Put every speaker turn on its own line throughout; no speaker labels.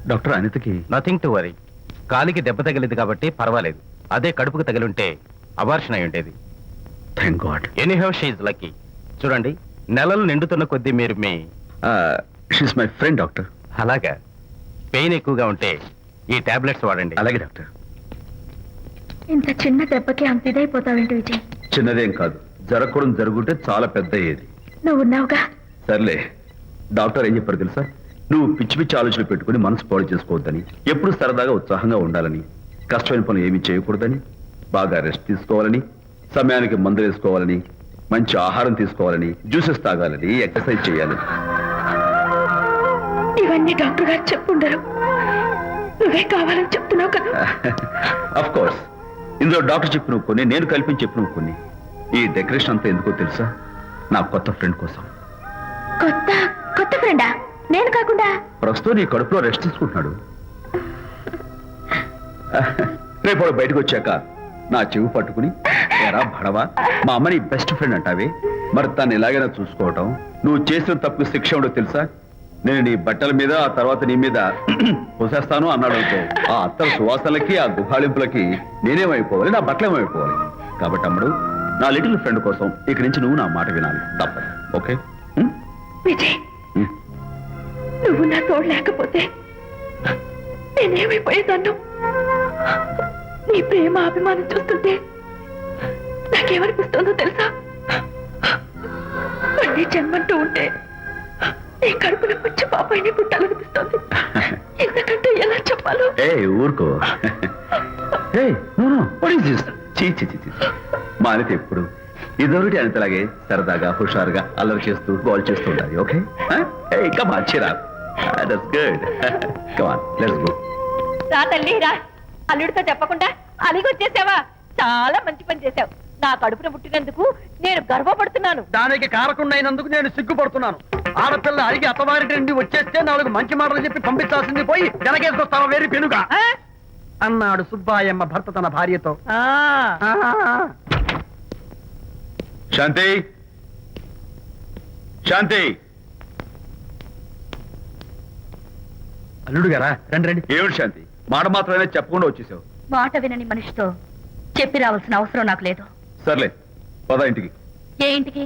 Doctor అనితకి
nothing to worry. కాలికి దెబ్బ తగిలింది కాబట్టి పర్వాలేదు. అదే కడుపుకు తగిలింటే అబార్షన్ అయి ఉండేది.
Thank God.
Anyhow she's lucky. చూడండి, నెలలు నిండుతున్న కొద్దీ మీరు మీ
షీస్ మై ఫ్రెండ్ డాక్టర్.
అలాగా. పెయిన్ ఎక్కువగా ఉంటే ఈ టాబ్లెట్స్ వాడండి.
అలాగే డాక్టర్.
ఇంత చిన్న దెబ్బకి అంత ఇదైపోతావేంటి విజయ్?
చిన్నదేం కాదు, జరగకూడదు జరుగుంటే చాలా పెద్ద అయ్యేది.
నువ్వు ఉన్నావుగా.
సర్లే. డాక్టర్ ఏం చెప్పారు తెలుసా? నువ్వు పిచ్చి పిచ్చి ఆలోచనలు పెట్టుకుని మనసు పాడు చేసుకోవద్దని, ఎప్పుడు సరదాగా ఉత్సాహంగా ఉండాలని, కష్టమైన పనులు ఏమీ చేయకూడదని, బాగా రెస్ట్ తీసుకోవాలని, సమయానికి మందులు వేసుకోవాలని, మంచి ఆహారం తీసుకోవాలని, జ్యూసెస్ తాగాలని, ఎక్సర్సైజ్ చేయాలని.
ఇవన్నీ డాక్టర్ గారు చెప్పుండరు, నువ్వే కావాలని చెప్తున్నావు కదా.
అఫ్ కోర్స్, ఇందులో డాక్టర్ చెప్పిన కొన్ని, నేను కల్పించి చెప్పిన కొన్ని. ఈ డెకరేషన్ అంతా ఎందుకో తెలుసా? నా కొత్త ఫ్రెండ్ కోసం.
కొత్త కొత్త ఫ్రెండా? నేను కాకుండా?
ప్రస్తుతం నీ కడుపులో రెస్ట్ తీసుకుంటున్నాడు. రేపు వాడు బయటకు వచ్చాక నా చెవి పట్టుకుని, ఎరా భడవా, మా అమ్మని బెస్ట్ ఫ్రెండ్ అంటావే, మరి తను ఎలాగైనా చూసుకోవటం, నువ్వు చేసిన తప్పు శిక్ష ఉండో తెలుసా? నేను నీ బట్టల మీద, ఆ తర్వాత నీ మీద పోసేస్తాను అన్నాడు అనుకో, ఆ అత్తల సువాసనలకి, ఆ గుహాళింపులకి నేనేమైపోవాలి, నా బట్టలేమైపోవాలి. కాబట్టి అమ్ముడు, నా లిటిల్ ఫ్రెండ్ కోసం ఇక్కడి నుంచి నువ్వు నా మాట వినాలి, తప్పదు. ఓకే?
విజయ్, నువ్వు నా తోడు లేకపోతే నేనేమైపోయేదాన్ను. నీ ప్రేమ అభిమానం చూస్తుంటే నాకేమనిపిస్తుందో తెలుసా? మళ్ళీ జన్మంటూ ఉంటే నీ కడుపున వచ్చి పాపాయిని పుట్టాలనిపిస్తుంది. ఎందుకంటే ఎలా చెప్పాలో.
ఊరుకో. మా అనిత ఎప్పుడు ఇదొకటి అనితలాగే సరదాగా, హుషారుగా, అల్లరి చేస్తూ, బాల్ చేస్తూ ఉండాలి. ఓకే?
రా తల్లి రా. అల్లుడితో చెప్పకుండా అలిగొచ్చేసావా? చాలా మంచి పని చేశావు. నా కడుపున పుట్టినందుకు నేను గర్వపడుతున్నాను.
దానికి కారకుండైనందుకు నేను సిగ్గుపడుతున్నాను. ఆడపిల్ల అడిగి అత్తవారి నుండి వచ్చేస్తే 4 మంచి మాటలు చెప్పి పంపించాల్సింది పోయి వెనకేసుకొస్తావా వేరు పెనుగా అన్నాడు సుబ్బాయమ్మ భర్త తన భార్యతో.
శాంతి, శాంతి.
అల్లుడు గారా, రండి రండి.
ఏమిటి శాంతి, మాట మాత్రమే చెప్పకుండా వచ్చేసావు?
మాట వినని మనిషితో చెప్పి రావాల్సిన అవసరం నాకు లేదు.
సర్లే, పద ఇంటికి.
ఏ ఇంటికి?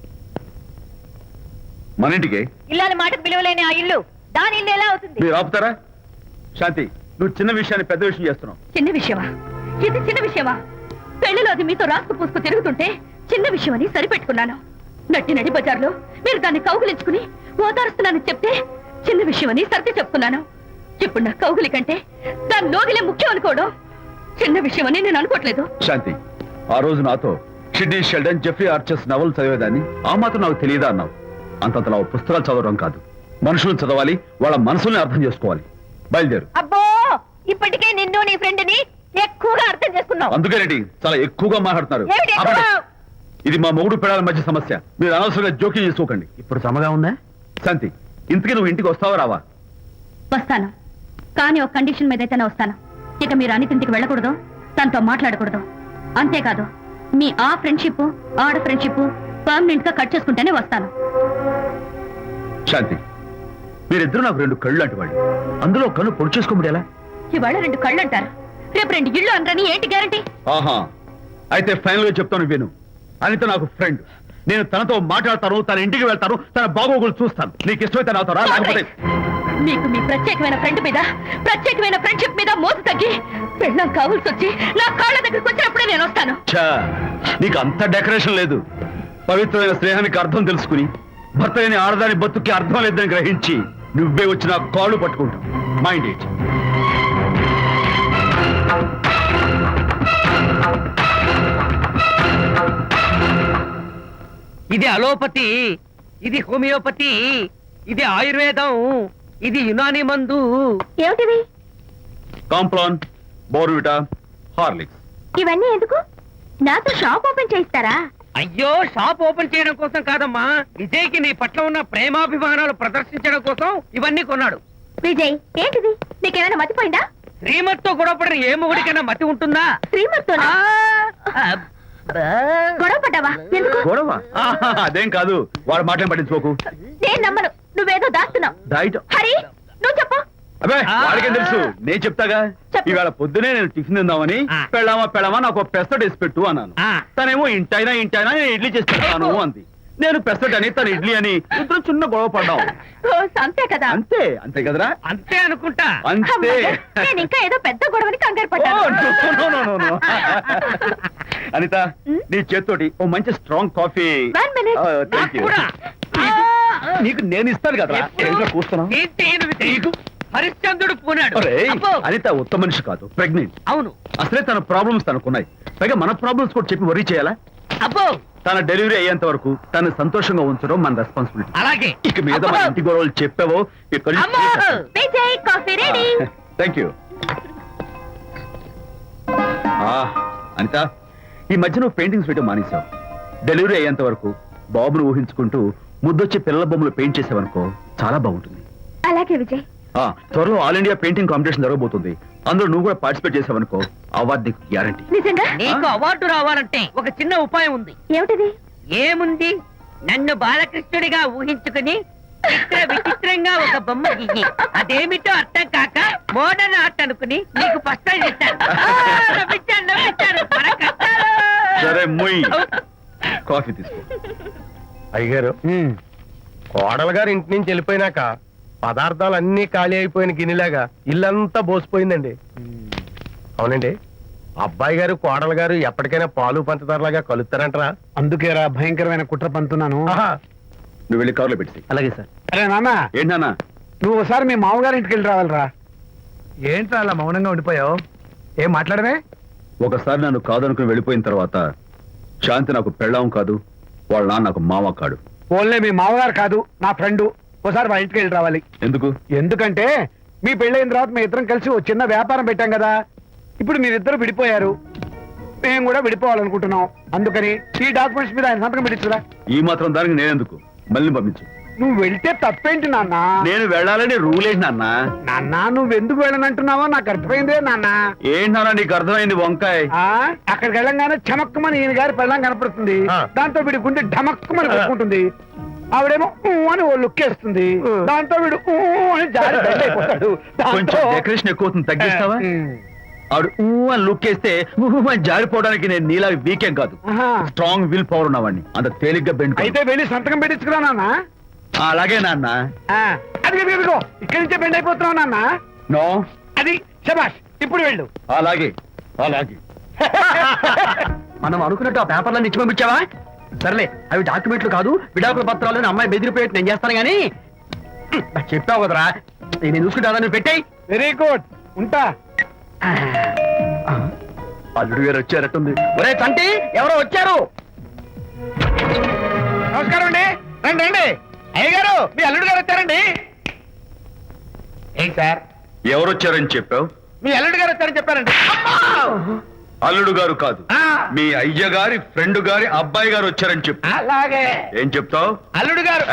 మన ఇంటికి.
ఇల్లాలి మాటకు విలువలేని ఆ ఇల్లు దాని ఇల్లు ఎలా అవుతుంది?
మీరు ఆపుతారా? శాంతి, నువ్వు చిన్న విషయాన్ని పెద్ద విషయం చేస్తున్నావు.
చిన్న విషయమా? ఇది చిన్న విషయమా? పెళ్లిలో అది మీతో రాసుకు పూసుకు తిరుగుతుంటే చిన్న విషయమని సరిపెట్టుకున్నాను. నడి బజార్లో మీరు దాన్ని కౌగులించుకుని ఓదారుస్తున్నానని చెప్తే చిన్న విషయమని సర్ది చెప్తున్నాను. ఇప్పుడు నా కౌగులి కంటే దాని లోగిలే ముఖ్యం అనుకోవడం చిన్న విషయమని నేను అనుకోవట్లేదు.
శాంతి, ఆ రోజు నాతో షిడ్నీ షెల్డన్, జెఫ్రీ ఆర్చర్స్ నవలు చదివేదాన్ని, ఆ మాత్రం నాకు తెలియదా అన్నావు. అంతంతలా పుస్తకాలు చదవడం కాదు, మనుషులను చదవాలి, వాళ్ళ మనసుల్ని అర్థం చేసుకోవాలి. బయలుదేరు.
అబ్బో, ఇప్పటికే నిన్ను నీ ఫ్రెండ్ ని ఎక్కువగా అర్థం చేసుకున్నావు.
అందుకేనండి చాలా ఎక్కువగా మాట్లాడుతున్నారు.
ఏమిటి ఎక్కువ?
ఇది మా మొగుడు పిల్లల మధ్య సమస్య, మీరు అనవసరంగా జోక్యం చేసుకోకండి.
ఇప్పుడు సమగా ఉందా?
శాంతి, ఇంతకీ నువ్వు ఇంటికి వస్తావా రావా?
వస్తాను, కానీ ఒక కండిషన్ మీద అయితేనే వస్తాను. ఇక మీరు అనితింటికి వెళ్ళకూడదు, తనతో మాట్లాడకూడదు. అంతేకాదు, మీ ఆ ఫ్రెండ్షిప్, ఆడ ఫ్రెండ్షిప్ పర్మనెంట్ గా కట్ చేసుకుంటేనే వస్తాను.
శాంతి, మీరిద్దరు నాకు 2 కళ్ళు లాంటి వాళ్ళు. అందులో కన్ను పొడి చేసుకోమడి ఎలా?
ఇవాళ 2 కళ్ళు అంటారు, రేపు 2 ఇళ్ళు అంటారని ఏంటి గ్యారంటీ?
ఆహా, అయితే ఫైనల్ గా చెప్తాను విను. అనిత నాకు ఫ్రెండ్. నేను తనతో మాట్లాడతాను, తన ఇంటికి వెళ్తాను, తన బాగోగులు చూస్తాను. నీకు ఇష్టమైతే నాతో రా, లేకపోతే
మీకు మీ ప్రత్యేకమైన ఫ్రెండ్ మీద, ప్రత్యేకమైన ఫ్రెండ్షిప్ మీద మోసు తగ్గి పెళ్ళం కావాల్సి వచ్చి నా కాళ్ళ దగ్గరికి వచ్చినప్పుడే నేను వస్తాను.
నీకు అంత డెకరేషన్ లేదు. పవిత్రమైన స్నేహానికి అర్థం తెలుసుకుని, భర్త లేని ఆడదాని బతుక్కి అర్థం లేదని గ్రహించి నువ్వే వచ్చి నా కాళ్ళు పట్టుకుంటావు. Mind it.
ఇది అలోపతి, ఇది హోమియోపతి, ఇది ఆయుర్వేదం, ఇది యునాని మందు.
ఏమిటివి?
Complan, Bournvita, Horlicks.
ఇవన్నీ ఎందుకు? నాతో షాప్ ఓపెన్ చేయిస్తారా?
అయ్యో, షాప్ ఓపెన్ చేయడం కోసం కాదమ్మా, విజయ్కి నీ పట్ల ఉన్న ప్రేమాభిమానాలు ప్రదర్శించడం కోసం ఇవన్నీ కొన్నాడు.
విజయ్, ఏంటిది? నీకేమైనా మతిపోయిందా?
శ్రీమతితో గొడవపడిన ఏ మొగుడికైనా మతి ఉంటుందా?
శ్రీమతితో గొడవ పడ్డావా? ఎందుకు
గొడవ? అదేం కాదు, వాడు మాటలు పట్టించుకోకు.
నేను నమ్మను, నువ్వేదో దాస్తున్నావు.
డైట్
హరి, నువ్వు చెప్పు.
అబ్బే
ఆ.
వాడికేం తెలుసు నేను చెప్తాగా.
చెప్పు.
ఇవాళ పొద్దునే నేను టిఫిన్ తిందామని
ఆ.
పెళ్ళామా నాకు ఒక పెసరట్ వేసి పెట్టు అన్నాను.
ఆ.
తనేమో ఇంటైనా నేను ఇడ్లీ చేసి పెడతాను అంది. నేను పెసరట్ అని తను ఇడ్లీ అని ఇద్దరు చిన్న గొడవ పడ్డాం.
రోజు అంతే కదా.
అంతే కదరా.
అంతే అనుకుంటా.
అంతే.
అమ్మయ్య, నేను ఇంకా ఏదో పెద్ద గొడవని కంగారు
ఓ,
పడ్డాను.
no. అనిత నీ చేత్తోటి ఓ మంచి strong coffee.
1 minute.
Thank you.
కూడా.
నీకు నేను ఇస్తాను కదా.
ఎప్పుడు?
కూస్తున్నావు.
ఏంటి ఈయన హరిశ్చంద్రుడు పూనాడు.
ఒరేయ్,
అబ్బో.
అనిత ఉత్తమ మనిషి కాదు, ప్రెగ్నెంట్.
అవును.
అసలే తన ప్రాబ్లమ్స్ తనకున్నాయి. పైగా మన ప్రాబ్లమ్స్ కూడా చెప్పి వరీ చేయాలా?
అబ్బో
తన డెలివరీ అయ్యేంత వరకు తను సంతోషంగా ఉంచడం మన రెస్పాన్సిబిలిటీ.
అలాగే.
ఇక మీద మన
అబ్బో.
ఇంటి గొడవలు చెప్పావో ఇక్కడ
అమ్మో.
Vijay coffee ready.
Thank you. Anitha, ఈ మధ్య నువ్వు పెయింటింగ్స్ వేయడం మానేశావు. డెలివరీ అయ్యేంత వరకు బాబును ఊహించుకుంటూ ముద్దొచ్చి పిల్లల బొమ్మలు పెయింట్ చేసావనుకో చాలా బాగుంటుంది.
అలాగే విజయ్.
త్వరలో ఆల్ ఇండియా పెయింటింగ్ కాంపిటీషన్ జరగబోతుంది. అందులో నువ్వు కూడా పార్టిసిపేట్ చేసావనుకో అవార్డు నీకు గ్యారంటీ.
నిజంగా?
నీకు అవార్డు రావాలంటే ఒక చిన్న ఉపాయం ఉంది.
ఏమిటిది?
ఏముంది, నన్ను బాలకృష్ణుడిగా ఊహించుకుని విచిత్రంగా ఒక బొమ్మ గీయి. అదేమిటో అర్థం కాక మోడర్న్ ఆర్ట్ అనుకుని నీకు ఫస్ట్ ప్రైజ్ ఇస్తాను. నవ్వించాను. మన కష్టాలు.
సరే ముయ్, కాఫీ తీసుకో.
అయ్యగారు, కోడలు గారు ఇంటి నుంచి వెళ్ళిపోయినాక పదార్థాలు అన్ని ఖాళీ అయిపోయిన గిన్నెలాగా ఇల్లంతా బోసిపోయిందండి. అవునండి, అబ్బాయి గారు కోడలు గారు ఎప్పటికైనా పాలు పంచదారలాగా కలుస్తారంటరా?
అందుకేరా భయంకరమైన కుట్ర పంతున్నాను.
నువ్వు వెళ్ళి కారులో పెట్టి.
అలాగే సార్.
అరే నాన్న,
ఏంటన్నా?
నువ్వు ఒకసారి మీ మామగారి ఇంటికి వెళ్ళి రావాలిరా. ఏంట్రా అలా మౌనంగా ఉండిపోయావు? ఏం మాట్లాడమే?
ఒకసారి నన్ను కాదనుకుని వెళ్ళిపోయిన తర్వాత శాంతి నాకు పెళ్ళాం కాదు, వాళ్ళ నాన్న నాకు మామ కాడు.
ఓన్లే మీ మామగారు కాదు, నా ఫ్రెండ్. ఒకసారి మా ఇంటికి వెళ్ళి రావాలి.
ఎందుకు?
ఎందుకంటే మీ పెళ్ళైన తర్వాత మీ ఇద్దరం కలిసి ఓ చిన్న వ్యాపారం పెట్టాం కదా. ఇప్పుడు మీరిద్దరు విడిపోయారు, మేము కూడా విడిపోవాలనుకుంటున్నాం. అందుకని ఈ డాక్యుమెంట్స్ మీద ఆయన సంతకం పెట్టించురా.
ఈ మాత్రం దానికి నేనెందుకు? మళ్ళీ పంపించు.
నువ్వు వెళ్తే తప్పేంటి నాన్న?
నేను వెళ్ళాలని రూల్ ఏంటి నాన్న?
నాన్న, నువ్వు ఎందుకు వెళ్ళనంటున్నావో నాకు అర్థమైందే నాన్న.
ఏంటన్నా నీకు అర్థమైంది వంకాయ?
అక్కడికి వెళ్ళంగానే చమక్కుమని ఈయన గారి పెళ్ళం కనపడుతుంది.
ఆ.
దాంతో వీడి గుండె ఢమక్కుమని కొట్టుకుంటుంది. ఆవిడేమో ఊ అని ఓ లుక్ వేస్తుంది. దాంతో వీడు ఊ అని జారి బెడ్ అయిపోతాడు.
కొంచెం డెకరేషన్ ఎక్కువ అవుతుంది, తగ్గిస్తావా? ఆవిడ ఊ అని లుక్ వేస్తే ఊ అని జారిపోవడానికి నేను నీలా వీకేం కాదు, స్ట్రాంగ్ విల్ పవర్ ఉన్నవాడిని. అంత తేలిగ్గా బెండ్
అయితే వెళ్ళి సంతకం పెట్టించుకురా నాన్న.
అలాగే నాన్న.
అది ఇదిగో ఇక్కడి నుంచే బెండ్ అయిపోతున్నావు నాన్న.
నో,
అది శబాష్, ఇప్పుడు వెళ్ళు.
అలాగే.
మనం అనుకున్నట్టు ఆ పేపర్లను ఇచ్చి పంపించావా? సర్లే, అవి డాక్యుమెంట్లు కాదు, విడాకుల పత్రాలు. అమ్మాయి బెదిరిపోయేట్టు నేను చేస్తాను గానీ చెప్పావు కదరా, నేను చూసుకుంటా. నువ్వు పెట్టాయి.
వెరీ గుడ్, ఉంటా.
అల్లుడు గారు వచ్చారట్టుంది.
ఒరే తంటి, ఎవరో వచ్చారు.
నమస్కారం అండి. రండి రండి. అయ్య గారు, మీ అల్లుడు గారు వచ్చారండి. ఏంటి సార్,
ఎవరు వచ్చారని చెప్పావు?
మీ అల్లుడు గారు వచ్చారని చెప్పారండి.
అల్లుడు గారు కాదు,
ఆ.
మీ అయ్య గారి ఫ్రెండ్ గారి అబ్బాయి గారు వచ్చారని చెప్పు.
అలాగే.
ఏం చెప్తావు?
అల్లుడు గారు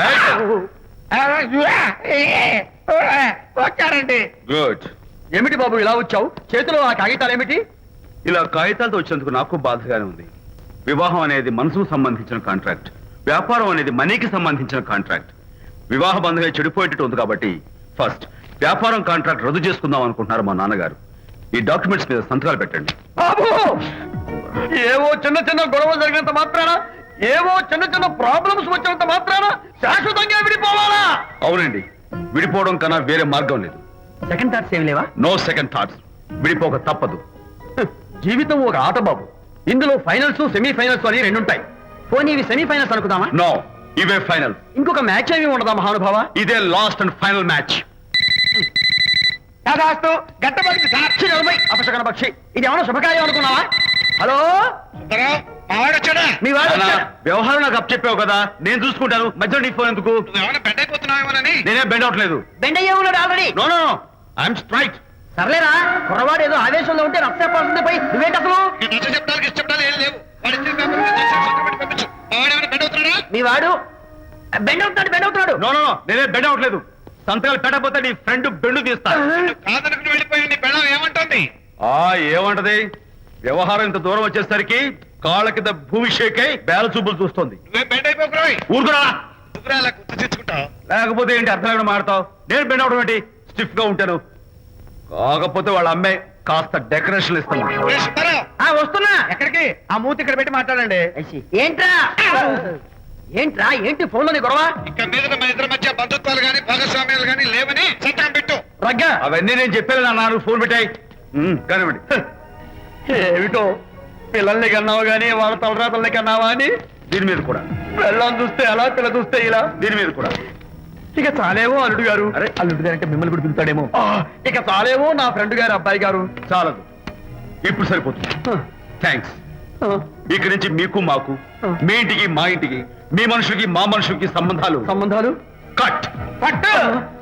వచ్చారండి.
గుడ్.
ఏమిటి బాబు ఇలా వచ్చావు? చేతిలో ఆ కాగితాలు ఏమిటి?
ఇలా కాగితాలతో వచ్చినందుకు నాకు బాధగానే ఉంది. వివాహం అనేది మనసుకు సంబంధించిన కాంట్రాక్ట్, వ్యాపారం అనేది మనీకి సంబంధించిన కాంట్రాక్ట్. వివాహ బంధంగా చెడిపోయేటట్టు ఉంది కాబట్టి ఫస్ట్ వ్యాపారం కాంట్రాక్ట్ రద్దు చేసుకుందాం అనుకుంటున్నారు మా నాన్నగారు. ఈ డాక్యుమెంట్స్ మీద సంతకాలు పెట్టండి.
బాబు, ఏవో చిన్న చిన్న గొడవలు జరిగినంత మాత్రాన, ఏవో చిన్న చిన్న ప్రాబ్లమ్స్ వచ్చినంత మాత్రాన శాశ్వతంగా విడిపోవాలా?
అవునండి, విడిపోవడం కన్నా వేరే మార్గం లేదు.
సెకండ్ థాట్స్ ఏమి లేవా?
No second thoughts. విడిపోక తప్పదు.
జీవితం ఒక ఆట బాబు. ఇందులో ఫైనల్స్, సెమీఫైనల్స్ అని రెండుంటాయి. పోనీ ఇవి సెమీఫైనల్స్ అనుకుందామా?
నో, ఇవే ఫైనల్.
ఇంకొక మ్యాచ్ ఏమి ఉండదా మహానుభావ?
ఇదే లాస్ట్ అండ్ ఫైనల్ మ్యాచ్.
కాదాస్తు గట్టబడికి
సాక్షి నిలబై అపశకన పక్షి. ఇది ఏమైనా శుభకార్యం అనుకున్నావా? హలో, మీ వాడు
నాన్న,
వచ్చాడా?
వ్యవహారం నాకు అప్ చెప్పావు కదా, నేను చూసుకుంటాను. మధ్యలో నీ ఫోన్ ఎందుకు? నేనే బెండ్ అవట్లేదు.
బెండ్ అయ్యే ఉన్నాడు already.
No no no, I'm straight.
సర్లేరా, కుర్రవాడు ఏదో ఆవేశంలో ఉంటే రక్త చెప్పాల్సిందే. పోయి నువ్వేంటి అసలు? మీ వాడు బెండ్ అవుతున్నాడు.
నో నో నో, నేనే బెండ్ అవట్లేదు. సంతకాలు పెట్టకపోతే నీ ఫ్రెండ్ బెండు తీస్తా. ఏమంటది? వ్యవహారం ఇంత దూరం వచ్చేసరికి కాళ్ళ కింద భూమి షేక్ అయి బేల చూపులు చూస్తుంది. ఊరుకురా. లేకపోతే ఏంటి అర్థం లేకుండా మాడతావు? నేను బెండ్ అవడం ఏంటి? స్టిఫ్ గా ఉంటాను. కాకపోతే వాళ్ళ అమ్మాయి కాస్త డెకరేషన్ ఇస్తాను
వస్తున్నా ఎక్కడికి ఆ మూతి ఇక్కడ పెట్టి మాట్లాడండి
ఏంట్రా ఏంట్రా ఏంటి ఫోన్ లోని గొడవ
ఇక మీద మన ఇద్దరి మధ్య బంధుత్వాలు గాని భాగస్వామ్యాలు గాని లేవని సంతకం పెట్టు.
రగ్గా
అవన్నీ నేను చెప్పాను నాన్న ఫోన్ పెట్టాయి కానివ్వండి.
ఏమిటో పిల్లల్ని కన్నావు గానీ వాళ్ళ తలరాతల్ని కన్నావా అని
దీని మీద కూడా,
పిల్లల్ని చూస్తే అలా పిల్ల చూస్తే ఇలా
దీని మీద కూడా.
ఇక చాలేమో అల్లుడు గారు.
అరే,
అల్లుడు గారు అంటే మిమ్మల్ని కూడా పిలుతాడేమో. ఇక చాలేమో నా ఫ్రెండ్ గారు అబ్బాయి గారు.
చాలదు, ఇప్పుడు సరిపోతుంది. థ్యాంక్స్. ఇక్కడి నుంచి మీకు మాకు, మీ ఇంటికి మా ఇంటికి, మీ మనుషులకి మా మనుషులకి సంబంధాలు
సంబంధాలు
కట్.
పట్టు